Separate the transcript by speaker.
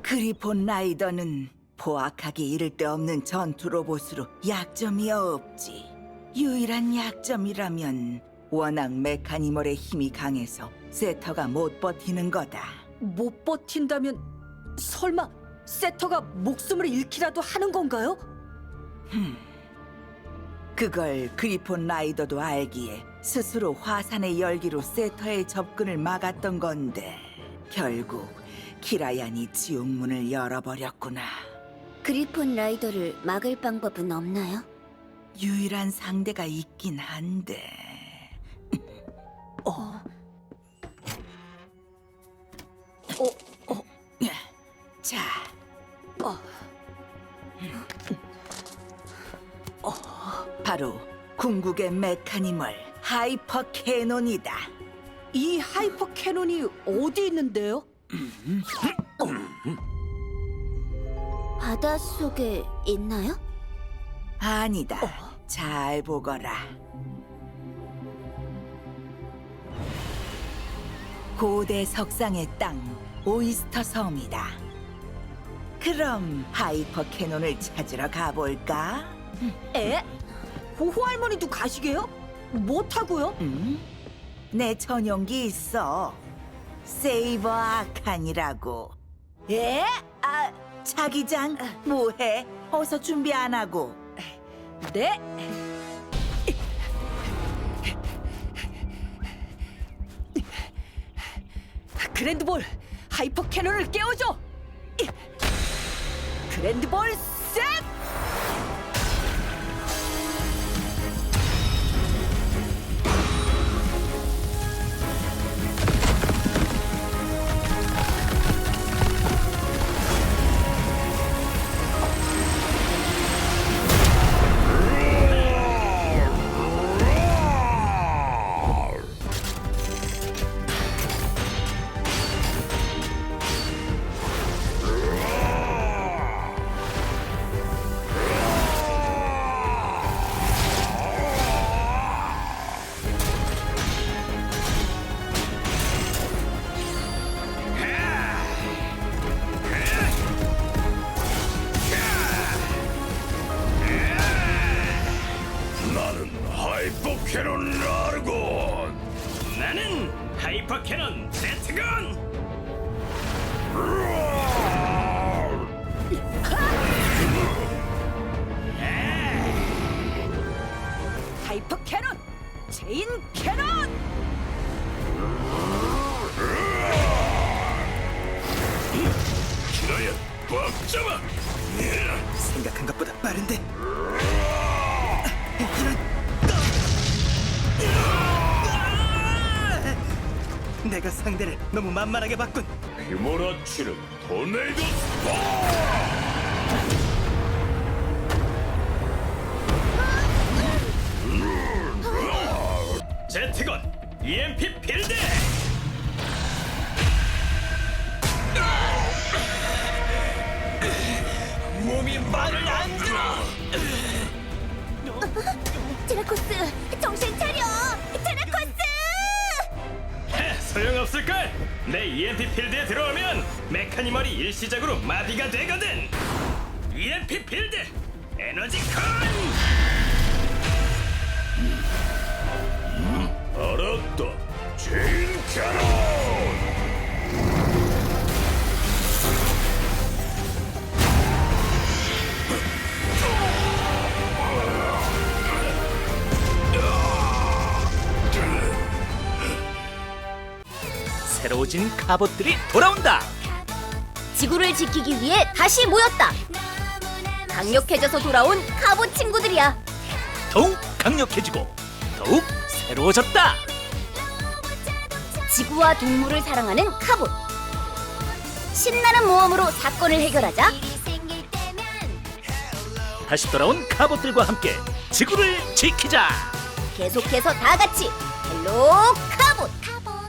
Speaker 1: 그리폰 라이더는 포악하기 이를 데 없는 전투 로봇으로 약점이 없지. 유일한 약점이라면 워낙 메카니멀의 힘이 강해서 세터가 못 버티는 거다.
Speaker 2: 못 버틴다면 설마 세터가 목숨을 잃기라도 하는 건가요?
Speaker 1: 그걸 그리폰 라이더도 알기에 스스로 화산의 열기로 세터의 접근을 막았던 건데 결국 키라얀이 지옥문을 열어버렸구나.
Speaker 3: 그리폰 라이더를 막을 방법은 없나요?
Speaker 1: 유일한 상대가 있긴 한데 자, 바로 궁극의 메카니멀 하이퍼 캐논이다.
Speaker 2: 이 하이퍼 캐논이 어디 있는데요?
Speaker 3: 바닷속에 있나요?
Speaker 1: 아니다. 잘 보거라. 고대 석상의 땅 오이스터 섬이다. 그럼 하이퍼 캐논을 찾으러 가볼까?
Speaker 2: 에? 호호 할머니도 가시게요? 못하고요?
Speaker 1: 내 전용기 있어. 세이버 아칸이라고. 에? 자기장 뭐해? 어서 준비 안 하고.
Speaker 2: 네. 그랜드볼 하이퍼 캐논을 깨워줘. 그랜드볼 셋!
Speaker 4: 나는 하이퍼 캐논 라르곤.
Speaker 5: 나는 하이퍼 캐논 제트건.
Speaker 2: 하이퍼 캐논 체인 캐논!
Speaker 4: 키라야, 꽉 잡아.
Speaker 6: 생각한 것보다 빠른데. 내가 상대를 너무 만만하게 봤군.
Speaker 4: 휘몰아치는 토네이도 스파.
Speaker 5: 제트건 EMP 필드.
Speaker 4: 몸이 말을 안 들어.
Speaker 3: 드라코스, 정신 차려! 드라코스!
Speaker 5: 소용없을걸. 내 EMP 필드에 들어오면 메카니멀이 일시적으로 마비가 되거든. EMP 필드 에너지 컨.
Speaker 4: 알았다. 체인 캐논.
Speaker 6: 새로워진 갑옷들이 돌아온다.
Speaker 3: 지구를 지키기 위해 다시 모였다. 강력해져서 돌아온 갑옷 친구들이야.
Speaker 6: 더욱 강력해지고 더욱 새로워졌다.
Speaker 3: 지구와 동물을 사랑하는 갑옷. 신나는 모험으로 사건을 해결하자.
Speaker 6: 다시 돌아온 갑옷들과 함께 지구를 지키자.
Speaker 3: 계속해서 다 같이 헬로